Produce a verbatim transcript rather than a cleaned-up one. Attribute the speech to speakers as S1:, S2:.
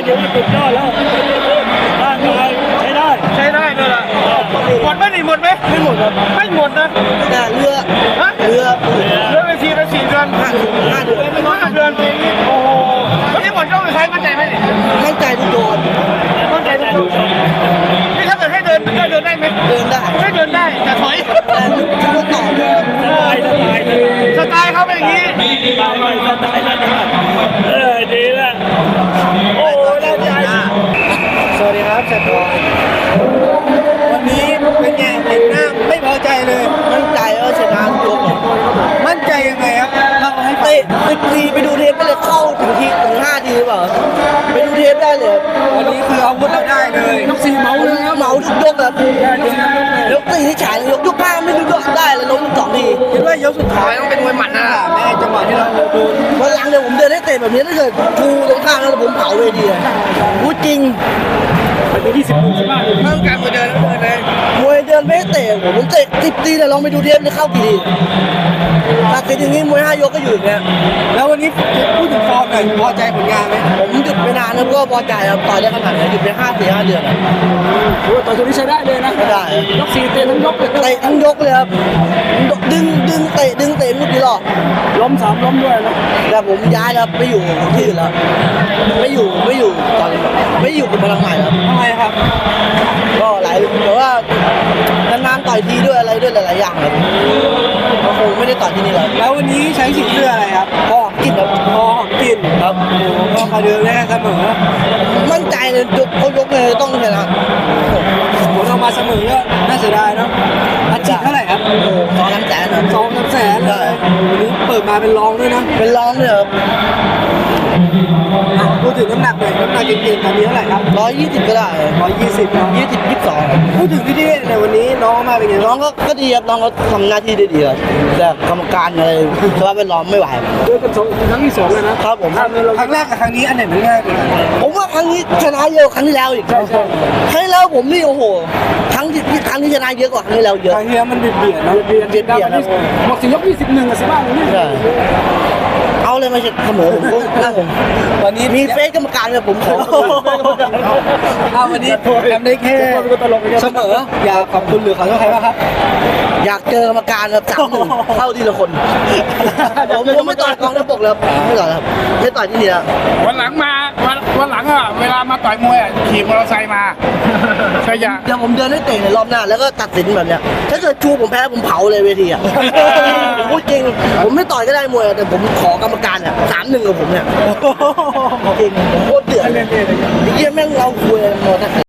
S1: ถือว่าสุดยอดแล้วร่างกายใช้ได้
S2: ใช้ได้เลยล่ะหมดไหมนี่หมดไหม
S3: ไม่หมดครับ
S2: ไม่หมดนะ
S3: แต่เรือ
S2: ฮะ
S3: เรือ
S2: เรือไปสี่ไปสี่เดือน
S3: ห้าห้าเดือน
S2: ห้าเดือนโอ้โหวันนี้หมดยกเลยใครมั่นใจไหมนี่
S3: มั่นใจทุกโดน
S2: มั่นใจทุกคนนี่ถ้าเกิดให้เดินได้เดินได้ไหม
S3: เดินได้
S2: ให้เดินได้แต่ถอย
S3: แต่ทุกต่อเรือ
S1: สไตล์สไตล์
S2: สไตล์เขาเป็นอย่างนี้
S1: สไตล์ไม่สไตล์นั่นนะเออดีละโอ้ได้ใจ
S2: สวัสดีครับเสร็จบอยวันนี้เป็นไงเห็นหน้าไม่พอใจเลย
S3: มั่นใจว่าชนะทุกยก
S2: มั่นใจยังไงครับเล่าให้ฟัง
S3: เตะสิบทีไปดูเทปไปเลยเข้าถึงทีถึงห้าทีหรือเปล่าไปดูเทปได้เลย
S2: วันนี้คืออาวุธเราได้เลยยกสี่เมาเลยครับ
S3: เมาทุกยกครับยกตีที่ฉายยกยกห้าไม่รู้ยกได้เลยล้มสองที
S2: คิดว่ายกสุดท้ายต้องเป็นมวยหมัดนะแม่จังหวะที่เราดู
S3: วันหลังเดี๋ยวผมเดินให้เตะแบบนี้ถ้าเกิดชูตรงข้างแล้วผมเผาเวทีพูดจริง
S1: ไปที่สิบหกสิบห้า
S2: เพิ่มการมวยเดินแล้วเดินเลย
S3: มวยเดินไม่เตะผมเตะสิบทีแต่ลองไปดูเทปเลยเข้ากี่ทีตัดสินอย่างนี้มวยห้ายกก็อยู่อย่างเงี้ย
S2: แล้ววันนี้พูดถึงฟอร์มหน่อยพอใจผลงานไหม
S3: ผมหยุดไปนานแล้วก็พอใจครับต่อยได้ขนาดไหนหยุดไปห้าสี่ห้าเดือน
S1: โอ้ต่อยตัวนี้ใช้ได้เลยนะ
S3: ได้
S1: ยกสี่เตะทั้งยกเลย
S3: เตะทั้งยกเลยครับดึงดึงเตะดึงเตะมุดกี่รอบ
S1: ล้มสามล้มด้วยนะ
S3: แต่ผมย้ายครับไม่อยู่ที่อื่นแล้วไม่อยู่ไม่อยู่ตอนนี้ไม่อยู่กับพลังใหม่ครับ
S2: ทำไมครับ
S3: ก็หลายแต่ว่านานๆต่อยทีด้วยอะไรด้วยหลายๆอย่างครับก็คงไม่ได้ต่อยที่นี่แล้ว
S2: แล้ววันนี้ใช้สีเสื้ออะไรครับ
S3: พ่อกินครับ
S2: พ่อกิน
S3: ครับ
S2: ก็คาเดิมแน่เสมอ
S3: มั่นใจเลยยกเขายกเลยต้องชนะ
S2: ผลออกมาเสมอก็น่าเสียดายเนาะอาชีพเท่าไหร่ครับ
S3: สองล้านแสน
S2: สองล้านแสนเลยวันนี้เปิดมาเป็นรองด้วยนะ
S3: เป็นรองเลยครับ
S2: พูดถึงน้ำหนักเลยน้ำหนักจริงๆตอนนี้เท่าไหร่ครับ
S3: ร้อยยี่สิบก็ได้
S2: ร้อยยี่สิบ
S3: ยี่สิบยี่สิบสอง
S2: พูดถึงพี่เท่ในวันนี้น้องมาเป็นไง
S3: น้องก็ก็ดีครับน้องเขาทำหน้าที่ได้ดีครับแต่กรรมการอะไรสภาพแวดล้อมไม่ไหว
S1: เจอกันสองครั้งที่สองเลยนะครับ
S3: ผม
S2: ครั้งแรกกับครั้งนี้อันไหนมันง่ายกว่า
S3: ผมว่าครั้งนี้ชนะเยอะครั้งที่แล้วอีก
S1: ใช่ใช่
S3: ครั้งที่แล้วผมนี่โอ้โหครั้งที่ครั้งที่ชนะเยอะกว่าครั้งที่แล้วเยอะ
S2: ครั้งที่แล้วมันเบียดเบียดนะ
S1: เบียดเบียดเบียดหมดสิยกยี่สิบหนึ่งอะสิบ้างนี่
S3: เอาเลยมาเสมอผมนะผม
S2: วันนี้
S3: มีเฟซกรรมการกับผมขอ
S2: เอาวันนี้ทำได้แค่เสมออยากขอบคุณหรือขอโทษใครบ้างครับ
S3: อยากเจอกรรมการครับสามหนึ่งเข้าทีละคนผมผมไม่ต่อยกองทัพบกแล้วไม่ต่อยครับไม่ต่อยที่นี่แล้ว
S4: วันหลังมาวันวันหลังอ่ะเวลามาต่อยมวยขี่มอเตอร์ไซค์มาใช่ยัง
S3: เดี๋ยวผมเดินให้เตะในรอบหน้าแล้วก็ตัดสินแบบเนี้ยถ้าเกิดชูผมแพ้ผมเผาเลยเวทีอ่ะผมพูดจริงผมไม่ต่อยก็ได้มวยแต่ผมขอกรรมการเนี่ยสามหนึ่งกับผมเนี่ยจริงผมโคตรเดือดไอ้เหี้ยแม่งเราคุยมอเตอร์